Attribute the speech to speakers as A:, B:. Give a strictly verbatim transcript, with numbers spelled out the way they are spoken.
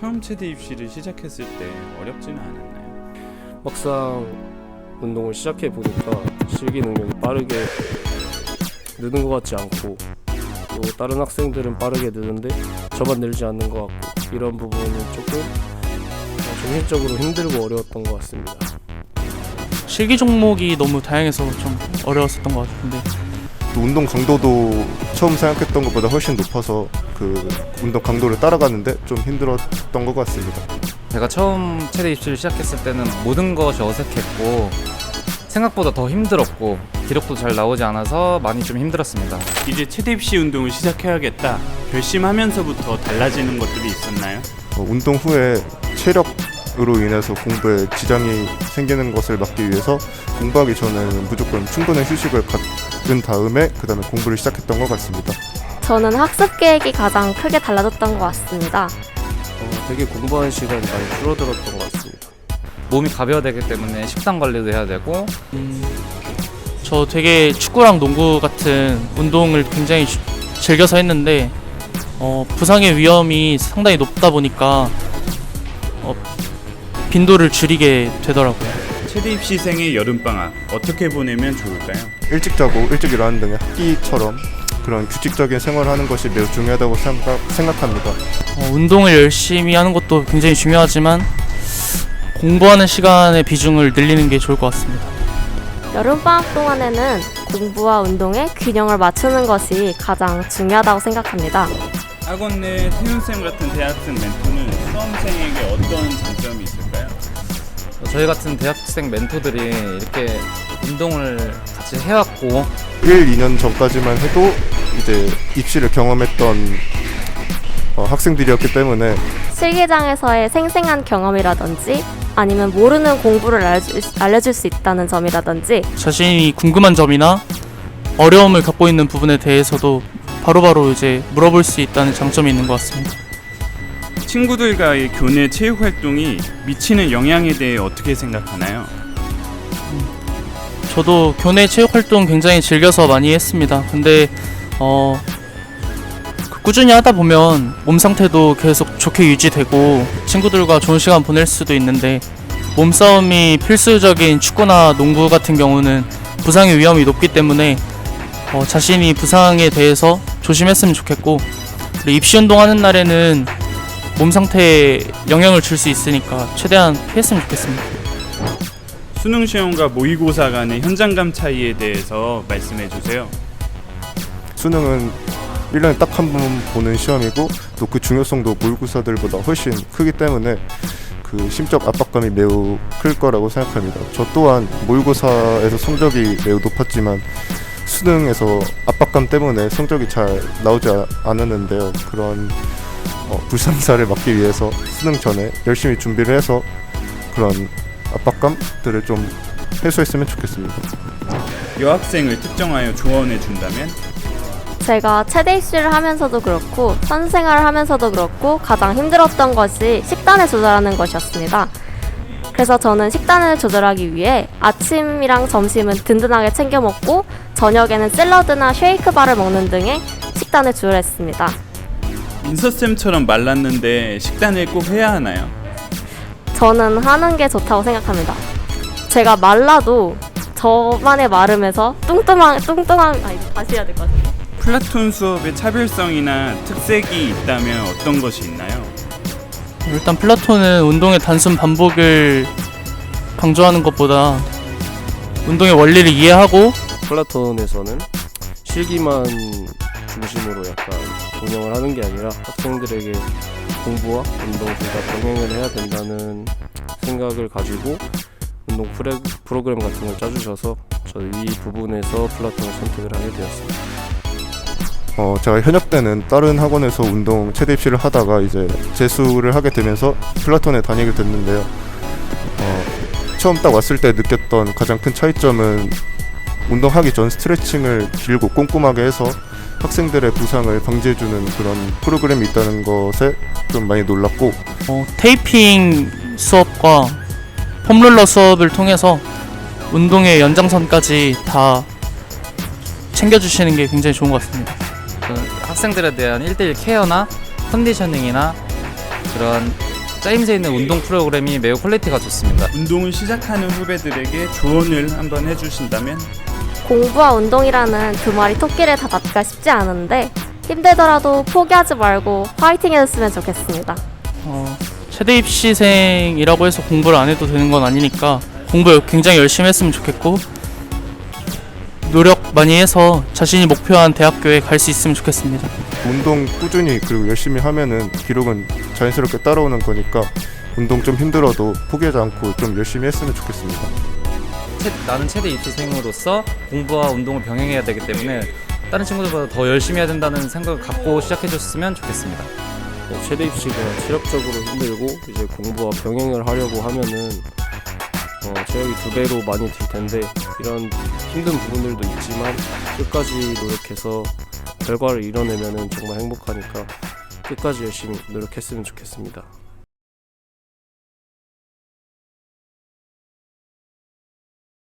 A: 처음 체대 입시를 시작했을 때 어렵지는 않았나요?
B: 막상 운동을 시작해 보니까 실기 능력이 빠르게 느는 것 같지 않고 또 다른 학생들은 빠르게 느는데 저만 늘지 않는 것 같고 이런 부분은 조금 정신적으로 힘들고 어려웠던 것 같습니다.
C: 실기 종목이 너무 다양해서 좀 어려웠었던 것 같은데
D: 운동 강도도 처음 생각했던 것보다 훨씬 높아서 그 운동 강도를 따라가는데 좀 힘들었던 것 같습니다.
E: 제가 처음 체대 입시를 시작했을 때는 모든 것이 어색했고 생각보다 더 힘들었고 기록도 잘 나오지 않아서 많이 좀 힘들었습니다.
A: 이제 체대 입시 운동을 시작해야겠다 결심하면서부터 달라지는 것들이 있었나요?
D: 어, 운동 후에 체력으로 인해서 공부에 지장이 생기는 것을 막기 위해서 공부하기 전에는 무조건 충분한 휴식을 갖은 다음에 그 다음에 공부를 시작했던 것 같습니다.
F: 저는 학습 계획이 가장 크게 달라졌던 것 같습니다.
B: 어, 되게 공부하는 시간이 많이 줄어들었던 것 같습니다.
E: 몸이 가벼워야 되기 때문에 식단 관리도 해야 되고
C: 음, 저 되게 축구랑 농구 같은 운동을 굉장히 주, 즐겨서 했는데 어, 부상의 위험이 상당히 높다 보니까 어, 빈도를 줄이게 되더라고요.
A: 체대 입시생의 여름방학 어떻게 보내면 좋을까요?
D: 일찍 자고 일찍 일어나는 등의 학기처럼 그런 규칙적인 생활을 하는 것이 매우 중요하다고 생각, 생각합니다.
C: 어, 운동을 열심히 하는 것도 굉장히 중요하지만 공부하는 시간의 비중을 늘리는 게 좋을 것 같습니다.
F: 여름방학 동안에는 공부와 운동의 균형을 맞추는 것이 가장 중요하다고 생각합니다.
A: 학원 내 태훈쌤 같은 대학생 멘토는 수험생에게 어떤 장점이 있을까요?
E: 저희 같은 대학생 멘토들이 이렇게 운동을 같이 해왔고
D: 일, 이 년 전까지만 해도 이제 입시를 경험했던 어, 학생들이었기 때문에
F: 실기장에서의 생생한 경험이라든지 아니면 모르는 공부를 알려줄, 알려줄 수 있다는 점이라든지
C: 자신이 궁금한 점이나 어려움을 갖고 있는 부분에 대해서도 바로바로 이제 물어볼 수 있다는 장점이 있는 것 같습니다.
A: 친구들과의 교내 체육 활동이 미치는 영향에 대해 어떻게 생각하나요?
C: 저도 교내 체육 활동 굉장히 즐겨서 많이 했습니다. 근데 어, 꾸준히 하다 보면 몸 상태도 계속 좋게 유지되고 친구들과 좋은 시간 보낼 수도 있는데 몸싸움이 필수적인 축구나 농구 같은 경우는 부상의 위험이 높기 때문에 어, 자신이 부상에 대해서 조심했으면 좋겠고 그리고 입시 운동하는 날에는 몸 상태에 영향을 줄 수 있으니까 최대한 피했으면 좋겠습니다.
A: 수능 시험과 모의고사 간의 현장감 차이에 대해서 말씀해 주세요.
D: 수능은 일 년에 딱 한 번 보는 시험이고 또 그 중요성도 모의고사들보다 훨씬 크기 때문에 그 심적 압박감이 매우 클 거라고 생각합니다. 저 또한 모의고사에서 성적이 매우 높았지만 수능에서 압박감 때문에 성적이 잘 나오지 않았는데요. 그런 어, 불상사를 막기 위해서 수능 전에 열심히 준비를 해서 그런 압박감들을 좀 해소했으면 좋겠습니다.
A: 여학생을 특정하여 조언해 준다면?
F: 제가 체대 입시를 하면서도 그렇고 선생활을 하면서도 그렇고 가장 힘들었던 것이 식단을 조절하는 것이었습니다. 그래서 저는 식단을 조절하기 위해 아침이랑 점심은 든든하게 챙겨 먹고 저녁에는 샐러드나 쉐이크바를 먹는 등의 식단을 조절했습니다.
A: 민서쌤처럼 말랐는데 식단을 꼭 해야 하나요?
F: 저는 하는 게 좋다고 생각합니다. 제가 말라도 저만의 마름에서 뚱뚱한 뚱뚱한 아 이거 다시 해야 될 것 같아요.
A: 플라톤 수업의 차별성이나 특색이 있다면 어떤 것이 있나요?
C: 일단 플라톤은 운동의 단순 반복을 강조하는 것보다 운동의 원리를 이해하고
B: 플라톤에서는 실기만 중심으로 약간 운영을 하는 게 아니라 학생들에게 공부와 운동 둘 다 병행을 해야 된다는 생각을 가지고 운동 프레, 프로그램 같은 걸 짜주셔서 저 이 부분에서 플라톤을 선택을 하게 되었습니다.
D: 어, 제가 현역 때는 다른 학원에서 운동 체대 입시를 하다가 이제 재수를 하게 되면서 플라톤에 다니게 됐는데요. 어, 처음 딱 왔을 때 느꼈던 가장 큰 차이점은 운동하기 전 스트레칭을 길고 꼼꼼하게 해서 학생들의 부상을 방지해주는 그런 프로그램이 있다는 것에 좀 많이 놀랐고
C: 어, 테이핑 수업과 폼롤러 수업을 통해서 운동의 연장선까지 다 챙겨주시는 게 굉장히 좋은 것 같습니다.
E: 학생들에 대한 일 대일 케어나 컨디셔닝이나 그런 짜임새 있는 운동 프로그램이 매우 퀄리티가 좋습니다.
A: 운동을 시작하는 후배들에게 조언을 한번 해주신다면?
F: 공부와 운동이라는 두 마리 토끼를 다 잡기가 쉽지 않은데 힘들더라도 포기하지 말고 파이팅 해줬으면 좋겠습니다.
C: 어, 최대 입시생이라고 해서 공부를 안 해도 되는 건 아니니까 공부 굉장히 열심히 했으면 좋겠고 노력 많이 해서 자신이 목표한 대학교에 갈 수 있으면 좋겠습니다.
D: 운동 꾸준히 그리고 열심히 하면은 기록은 자연스럽게 따라오는 거니까 운동 좀 힘들어도 포기하지 않고 좀 열심히 했으면 좋겠습니다.
E: 채- 나는 최대 입시생으로서 공부와 운동을 병행해야 되기 때문에 다른 친구들보다 더 열심히 해야 된다는 생각을 갖고 시작해줬으면 좋겠습니다.
B: 네, 최대 입시가 체력적으로 힘들고 이제 공부와 병행을 하려고 하면은 어, 체력이 두 배로 많이 들 텐데 이런 힘든 부분들도 있지만 끝까지 노력해서 결과를 이뤄내면은 정말 행복하니까 끝까지 열심히 노력했으면 좋겠습니다.